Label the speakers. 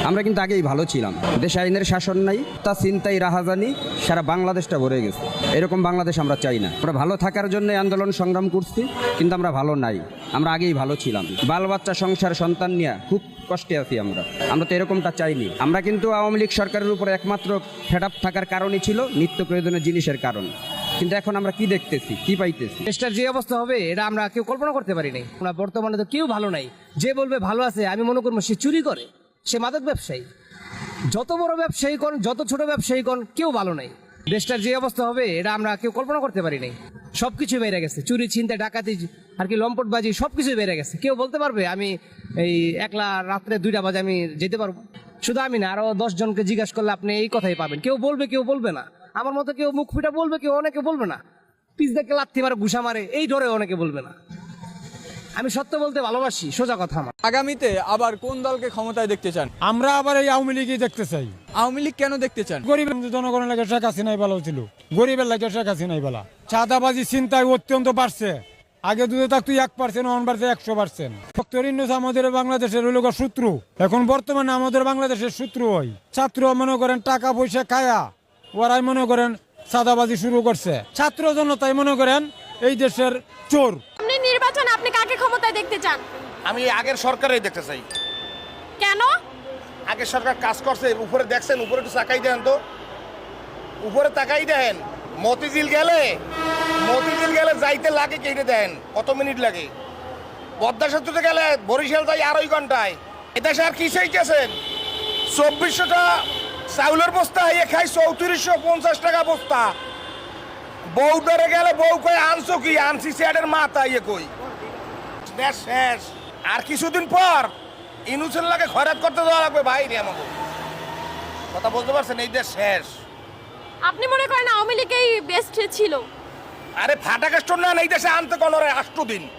Speaker 1: আমরা কিন্তু আগেই ভালো ছিলাম। দেশে আইনের শাসন নাই, তা চিন্তাই রাহাজানি সারা বাংলাদেশটা ভরে গেছে। এরকম বাংলাদেশ আমরা চাই না। আমরা ভালো থাকার জন্য আন্দোলন সংগ্রাম করছি, কিন্তু আমরা ভালো নাই। আমরা আগেই ভালো ছিলাম। বাল বাচ্চা সংসার সন্তান নিয়ে খুব কষ্টে আছি আমরা তো এরকমটা চাইনি। আমরা কিন্তু আওয়ামী লীগ সরকারের উপর একমাত্র ফেড আপ থাকার কারণই ছিল নিত্য প্রয়োজনীয় জিনিসের কারণ। কিন্তু এখন আমরা কি দেখতেছি, কি পাইতেছি?
Speaker 2: দেশটার যে অবস্থা হবে এটা আমরা কেউ কল্পনা করতে পারি নাই। আমরা বর্তমানে তো কেউ ভালো নাই। যে বলবে ভালো আছে, আমি মনে করবো সে চুরি করে, সে মাদক ব্যবসায়ী। যত বড় ব্যবসায়ী কোন, যত ছোট ব্যবসায়ী কোন, কেউ ভালো নাই। দেশটার যে অবস্থা হবে এটা আমরা কেউ কল্পনা করতে পারি নাই। সবকিছু বেড়ে গেছে, চুরি ছিনতাই ডাকাতি আর কি লম্পটবাজি সবকিছু বেড়ে গেছে। কেউ বলতে পারবে আমি এই একলা রাত্রে 2টা বাজে আমি যেতে পারবো? শুধু আমি না, আরো 10 জনকে জিজ্ঞাসা করলে আপনি এই কথাই পাবেন। কেউ বলবে, কেউ বলবে না। আমার মতো কেউ মুখ ফিটা বলবে, কেউ অনেকে বলবে না। পিছ দেখে লাথি মারে, ঘুষা মারে, এই ডরে অনেকে বলবে না। আমি সত্য বলতে ভালোবাসি, সোজা কথা আমার।
Speaker 3: আগামীতে আবার কোন দলকে ক্ষমতায় দেখতে চান?
Speaker 4: আমরা আবার এই আওয়ামী লীগই দেখতে চাই।
Speaker 3: আওয়ামী লীগ কেন দেখতে চান?
Speaker 4: গরিব জনগণের লাগে শেখ হাসিনাই ভালো ছিল, গরিবের লাগে শেখ হাসিনাই ভালো। চাঁদাবাজি চিন্তায় অত্যন্ত বাড়ছে। আগে দুধে থাকতো 1%, এখন বাড়ছে 100%। ডক্টর ইউনূস আমাদের বাংলাদেশের হইল শত্রু। এখন বর্তমানে আমাদের বাংলাদেশের শত্রু হয়। ছাত্র মনে করেন টাকা পয়সা খায়া ওরাই মনে করেন চাঁদাবাজি শুরু করছে। ছাত্র জনতাই মনে করেন এই দেশের চোর।
Speaker 5: আপনি নির্বাচন, আপনি কাকে ক্ষমতায় দেখতে চান?
Speaker 6: আমি আগের সরকারই দেখতে চাই।
Speaker 5: কেন?
Speaker 6: আগের সরকার কাজ করছে। উপরে দেখছেন, উপরে একটু তাকাই দেন তো, উপরে তাকাই দেন। মতিঝিল গেলে যাইতে লাগে কেটে দেন, কত মিনিট লাগে? পদ্মা সেতুতে গেলে বরিশাল যাই 2.5 ঘন্টায়। এদেশে আর কি চাইতেছেন? 2400টা চাউলের বস্তা হয়ে খাই 3450 টাকা বস্তা। বউ ধরে গেলে বউ কই আনছো কি? আনছি স্যারের মাথা ইয়ে কই। দেশ শেষ। আর কিছুদিন পর ইউনূসের লাগে খয়রাত করতে দেওয়া লাগবে ভাই রে। আমাকে কথা বলতে পারছেন? এই দেশ শেষ।
Speaker 5: আপনি মনে করেন আওয়ামী লীগই বেস্ট ছিল?
Speaker 6: আরে ফাটা কাস্টর না, এই দেশে আনতে কোনো 8 দিন।